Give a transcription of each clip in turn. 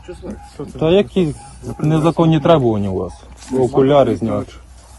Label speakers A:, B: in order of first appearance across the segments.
A: Та які незаконні требування у вас? Окуляри зняти.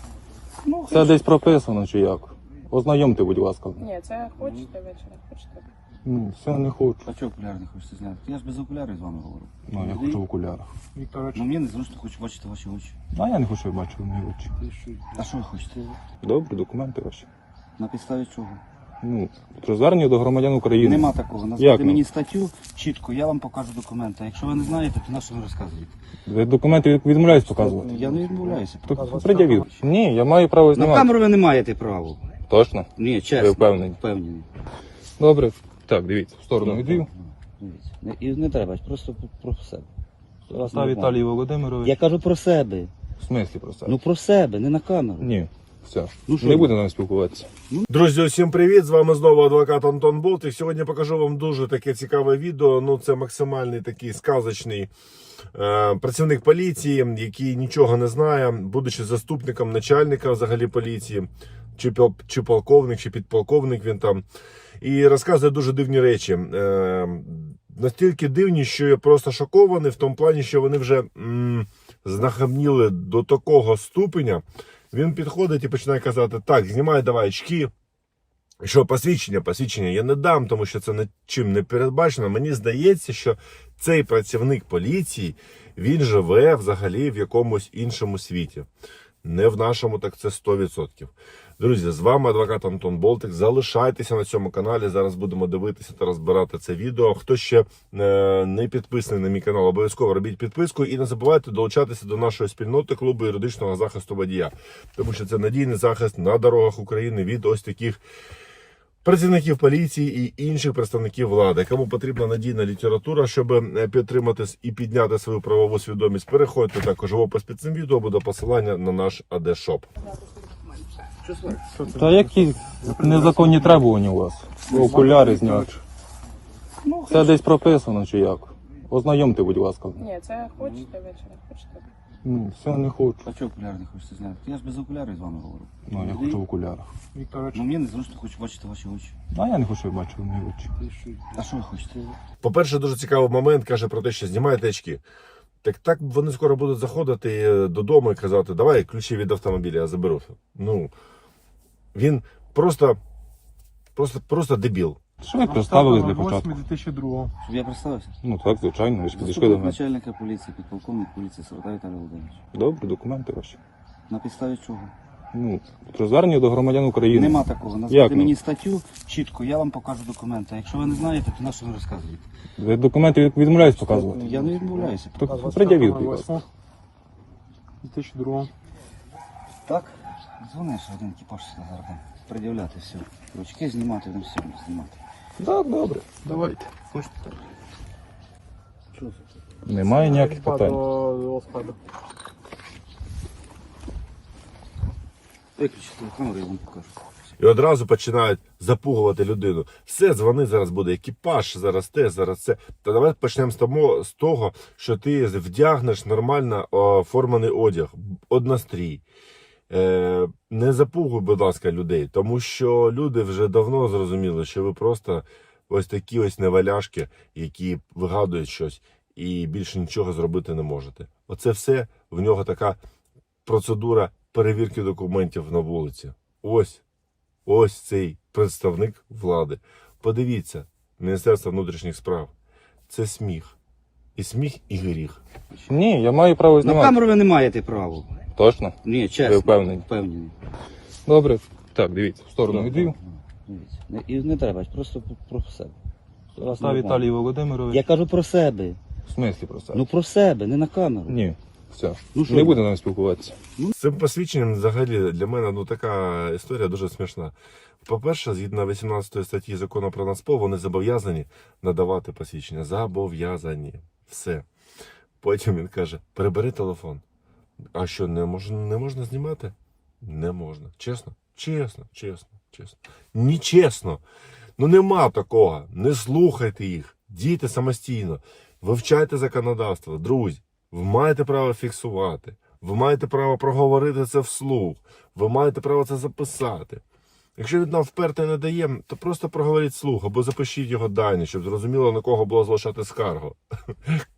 A: Це десь прописано чи як? Ознайомте, будь ласка.
B: Ні, це хочете вечора, хочете.
A: Ну, все не хочу.
C: А чого окуляри не хочете зняти? Я ж без окулярів з вами говорю.
A: Ну, я хочу в окулярах.
C: Ну мені незручно, хочу бачити ваші очі.
A: А я не хочу бачити мої очі.
C: А що ви хочете?
A: Добре, документи ваші.
C: На підставі чого?
A: Ну, про звернення до громадян України.
C: Нема такого.
A: Як
C: Назвати
A: ні?
C: мені статтю чітко, я вам покажу документи. А якщо ви не знаєте, то на що ви розказуєте?
A: Ви документи відмовляюсь показувати.
C: Я не відмовляюся.
A: То пред'явіть. Ні, я маю право
C: На
A: знімати.
C: камеру ви не маєте права.
A: Точно?
C: Ні, чесно.
A: Ви впевнені?
C: Впевнені.
A: Добре. Так, дивіться, в сторону відвів.
C: Дивіться. І не треба, просто про себе.
A: Та Віталій Володимирович.
C: Я кажу про себе.
A: В смислі про це?
C: Ну про себе, не на камеру.
A: Ні. Все.
C: Ну, що
A: не
C: ви?
A: буде нам спілкуватися.
D: Друзі, усім привіт! З вами знову адвокат Антон Болтик. Сьогодні покажу вам дуже таке цікаве відео. Ну, це максимальний такий сказочний працівник поліції, який нічого не знає, будучи заступником начальника взагалі поліції, чи полковник, чи підполковник він там. І розказує дуже дивні речі. Настільки дивні, що я просто шокований в тому плані, що вони вже знахабніли до такого ступеня. Він підходить і починає казати: так, знімай давай очки. Що посвідчення я не дам, тому що це нічим не передбачено. Мені здається, що цей працівник поліції, він живе взагалі в якомусь іншому світі. Не в нашому, так це 100%. Друзі, з вами адвокат Антон Болтик. Залишайтеся на цьому каналі. Зараз будемо дивитися та розбирати це відео. Хто ще не підписаний на мій канал, обов'язково робіть підписку. І не забувайте долучатися до нашої спільноти клубу юридичного захисту водія. Тому що це надійний захист на дорогах України від ось таких працівників поліції і інших представників влади. Кому потрібна надійна література, щоб підтримати і підняти свою правову свідомість, переходьте також в опис під цим відео, буде посилання на наш АД-шоп.
A: Та які незаконні требування у вас? Окуляри зняти. Це десь прописано чи як? Ознайомте, будь ласка.
B: Ні, це хочете вечора, хочете.
A: Ну, все не хочу.
C: А чого окуляри не хочете зняти? Я ж без окулярів з вами говорю.
A: Ну, я хочу в окулярах.
C: Ну мені незручно, хочу бачити ваші очі.
A: А я не хочу бачити мої очі.
C: А що ви хочете?
D: По-перше, дуже цікавий момент, каже про те, що знімайте очки. Так вони скоро будуть заходити додому і казати: давай ключі від автомобіля, я заберу. Ну, він просто дебіл.
A: Що ви представились для початку?
E: 2002.
C: Щоб я представився?
A: Ну так, звичайно, ви ж підійшли до
C: Заступник
A: мене.
C: начальника поліції, підполковник поліції Сорота Віталій Володимирович.
A: Добре, документи ваші.
C: На підставі чого?
A: Ну, про звернення до громадян України.
C: Нема такого.
A: Як
C: Назвати
A: ні?
C: мені статтю чітко, я вам покажу документи. А якщо ви не знаєте, то на що ви розказуєте?
A: Ви документи відмовляюсь показувати.
C: Я не відмовляюся.
A: То пред'явіть, будь ласка.
E: 2002.
C: Так? Дзвониш, один екіпаж сюди зараз. Пред'являти все. Ручки знімати, там все знімати.
A: Так, добре. Давайте.
C: Хочете? Що це?
A: Немає ніяких питань.
E: До велосипеда.
C: Виключите камеру, я вам покажу.
D: І одразу починають запугувати людину. Все, дзвони, зараз буде екіпаж, зараз те, зараз це. Та давай почнемо з того, що ти вдягнеш нормально оформлений одяг, однострій. Не запугуй, будь ласка, людей, тому що люди вже давно зрозуміли, що ви просто ось такі ось неваляшки, які вигадують щось і більше нічого зробити не можете. Оце все, в нього така процедура перевірки документів на вулиці. Ось цей представник влади. Подивіться, Міністерство внутрішніх справ. Це сміх. І сміх, і гріх.
A: Ні, я маю право
C: На
A: знімати.
C: камеру ви не маєте права.
A: Точно?
C: Ні, чесно.
A: Ви впевнені?
C: Впевнені.
A: Добре. Так, дивіться, в сторону відвів.
C: Дивіться. І не треба, просто про себе.
A: Та Віталій Володимирович.
C: Я кажу про себе.
A: В смислі про це?
C: Ну про себе, не на камеру.
A: Ні. Все.
C: Ну, що
A: не
C: ви?
A: буде нам спілкуватися.
D: З цим посвідченням взагалі для мене така історія дуже смішна. По-перше, згідно 18 статті Закону про Нацпол, вони зобов'язані надавати посвідчення. Зобов'язані. Все. Потім він каже: прибери телефон. А що, не можна знімати? Не можна. Чесно? Чесно. Нечесно. Ну нема такого. Не слухайте їх. Дійте самостійно. Вивчайте законодавство. Друзі, ви маєте право фіксувати. Ви маєте право проговорити це вслух. Ви маєте право це записати. Якщо він нам вперто не дає, то просто проговоріть вслух або запишіть його дані, щоб зрозуміло, на кого було залишати скаргу. Каже,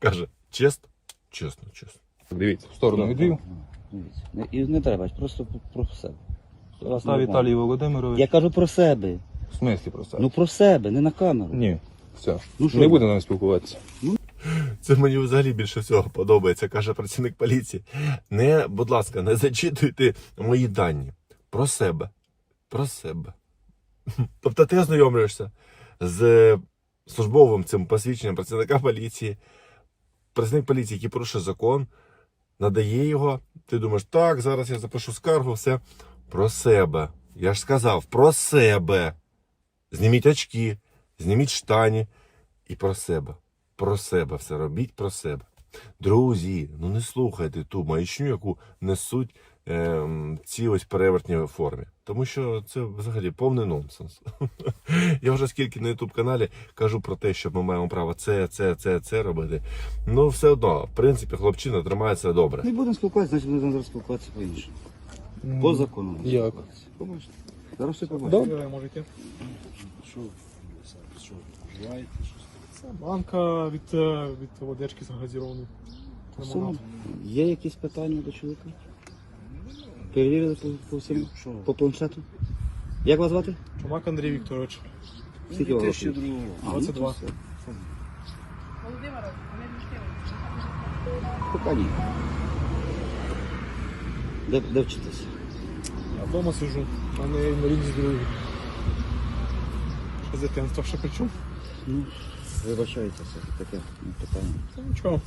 D: Чесно? Чесно, чесно.
A: Дивіться, в сторону відвів.
C: Дивіться. І не треба, просто про себе. Вас
A: Та
C: нормально.
A: Віталій Володимирович.
C: Я кажу про себе.
A: В смислі про це?
C: Ну про себе, не на камеру.
A: Ні, все.
C: Ну, що
A: Не
C: ви?
A: буде нам спілкуватися.
D: Це мені взагалі більше всього подобається, каже працівник поліції. Не, будь ласка, не зачитуйте мої дані. Про себе. Про себе. Тобто ти ознайомлюєшся з службовим цим посвідченням працівника поліції. Працівник поліції, який порушує закон, надає його. Ти думаєш, так, зараз я запишу скаргу, все. Про себе. Я ж сказав, про себе. Зніміть очки, зніміть штані і про себе. Про себе все робіть, про себе. Друзі, ну не слухайте ту маячню, яку несуть ці ось перевертні в формі. Тому що це взагалі повний нонсенс. Я вже скільки на YouTube каналі кажу про те, що ми маємо право це робити. Ну все одно, в принципі, хлопчина тримається добре.
C: Не будемо спілкуватися, значить будемо зараз спілкуватися по-іншому. По закону.
A: Як?
C: Побачите. Зараз все побачите.
A: Добре.
E: Можете.
F: Що вживаєте?
E: Це банка від водички загазірованої.
C: Все. Є якісь питання до чоловіка? Перевірили по всьому?
F: Що?
C: По планшету? Як вас звати?
E: Чумак Андрій Вікторович.
C: Скільки вам років?
F: 2002.
C: А,
E: 22.
C: ну, то все.
B: Володимирович, не містили.
C: Поки ні. Де вчитися?
E: Я вдома сиджу, а не інвалідність другої. Ще з дитинства ще причому.
C: Ну, вибачайте, все таке питання.
E: Та нічого.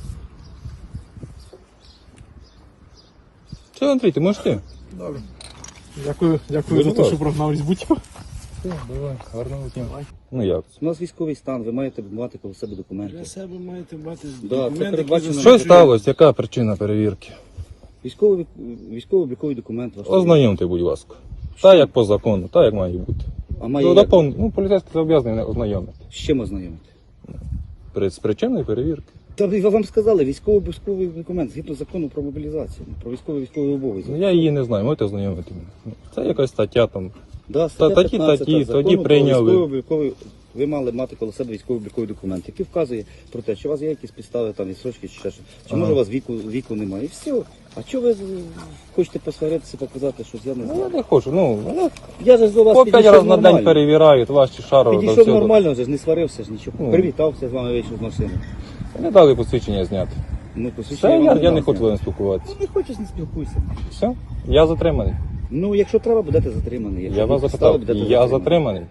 A: Все, Андрій, ти можеш ти?
E: Добре. Дякую за
A: Дуже
E: те,
A: добре.
E: що прогнав збуття.
A: Все, давай, гарного дня. Ну як?
C: У нас військовий стан, ви маєте мати коло себе документи.
F: Для себе маєте мати
C: це
F: документи,
C: передбачено.
F: які
A: Що
F: засвідчують-
A: сталося? Яка причина перевірки?
C: Військово-обліковий документ ваш.
A: Ознайомте, будь ласка. Так, як по закону, так, як має бути.
C: А має
A: Ну,
C: як?
A: поліцейський зобов'язаний не ознайомити.
C: З чим ознайомити?
A: З причиною перевірки.
C: Та вам сказали, військово-обліковий документ, згідно закону про мобілізацію, про військовий обов'язок.
A: Ну, я її не знаю, можете ознайомити мене. Ну, це якась стаття там.
C: Да, стаття
A: такі,
C: 15
A: тоді
C: закону про
A: прийняли.
C: військово-обліковий. Ви мали мати коло себе військово-обліковий документ, який вказує про те, чи у вас є якісь підстави, там, відсрочки, чи ще щось. Чи може у вас віку немає. І все. А чого ви хочете посваритися, показати щось, я не
A: Ну, я
C: знаю.
A: не хочу. Ну,
C: Я же до вас
A: по 5
C: підійшов
A: разів на день
C: нормально.
A: перевіряють ваші шарові.
C: Підійшов нормально, вже ж не сварився ж нічого.
A: Ну.
C: Привітався з вами, вийшов з машини.
A: Не дали посвідчення зняти.
C: Ну,
A: Все,
C: посвідчення
A: я
C: вам
A: не
C: дам.
A: хочу з вами спілкуватися.
C: Не хочеш, не спілкуйся.
A: Все, я затриманий.
C: Ну, якщо треба, будете затримані. Якщо
A: Я вас
C: будуть підстави,
A: запитав,
C: будете
A: я затриманий.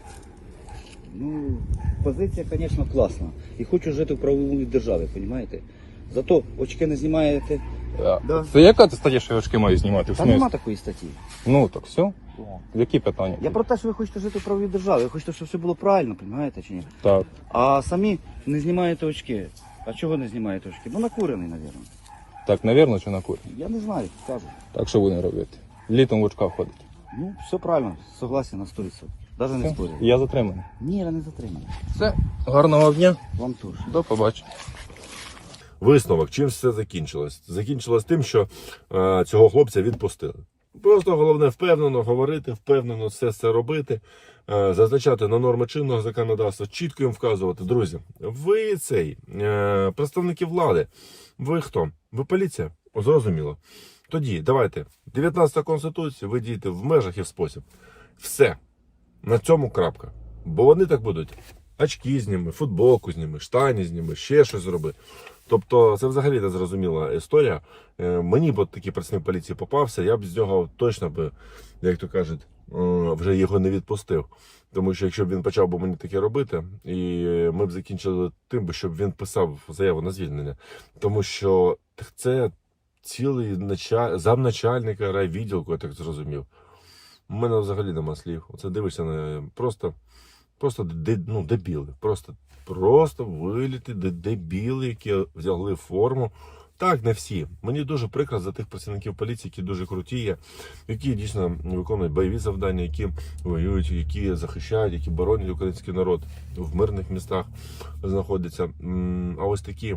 C: Ну, позиція, звісно, класна. І хочу жити в правовій державі, розумієте? Зато очки не знімаєте. Да.
A: Це яка ти стаття, що я очки маю знімати? В
C: Та
A: смислі?
C: нема такої статті.
A: Ну так все. Які питання?
C: Я про те, що ви хочете жити в правовій державі. Ви хочете, щоб все було правильно, розумієте чи ні?
A: Так.
C: А самі не знімаєте очки. А чого не знімаєте очки? Бо накурений, мабуть.
A: Так, навірно, чи на курі?
C: Я не знаю, кажу.
A: Так що будемо робити? Літом в очках ходить.
C: Ну, все правильно, согласен на 100%. Навіть не
A: Все,
C: спорю.
A: я затриманий.
C: Ні, я не затриманий.
A: Все, гарного дня.
C: Вам теж.
A: До побачення.
D: Висновок, чим все закінчилось? Закінчилось тим, що цього хлопця відпустили. Просто головне впевнено говорити, впевнено все це робити, зазначати на норми чинного законодавства, чітко їм вказувати. Друзі, ви представники влади, ви хто? Ви поліція? О, зрозуміло. Тоді давайте, 19 Конституція, ви дієте в межах і в спосіб. Все. На цьому крапка. Бо вони так будуть. Очки зніми, футболку зніми, штані зніми, ще щось зроби. Тобто це взагалі незрозуміла історія. Мені б такий працівник поліції попався, я б з нього точно би, як то кажуть, вже його не відпустив. Тому що якщо б він почав би мені таке робити, і ми б закінчили тим, щоб він писав заяву на звільнення. Тому що це цілий замначальника райвідділку, я так зрозумів. У мене взагалі нема слів. Оце дивишся на просто дебіли. Просто виліти дебіли, які взяли форму. Так, не всі. Мені дуже прикро за тих працівників поліції, які дуже круті є, які дійсно виконують бойові завдання, які воюють, які захищають, які боронять український народ в мирних містах знаходяться. А ось такі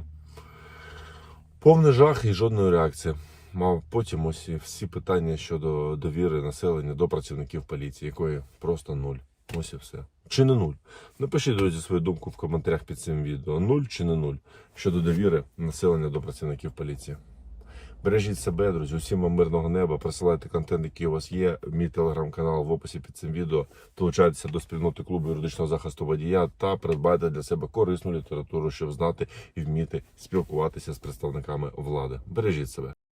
D: повний жах і жодної реакції. Мав потім ось і всі питання щодо довіри населення до працівників поліції, якої просто нуль. Ось і все. Чи не 0? Напишіть, друзі, свою думку в коментарях під цим відео. 0 чи не 0 щодо довіри населення до працівників поліції. Бережіть себе, друзі, усім вам мирного неба, присилайте контент, який у вас є, мій телеграм-канал в описі під цим відео, долучайтеся до спільноти клубу юридичного захисту водія та придбайте для себе корисну літературу, щоб знати і вміти спілкуватися з представниками влади. Бережіть себе.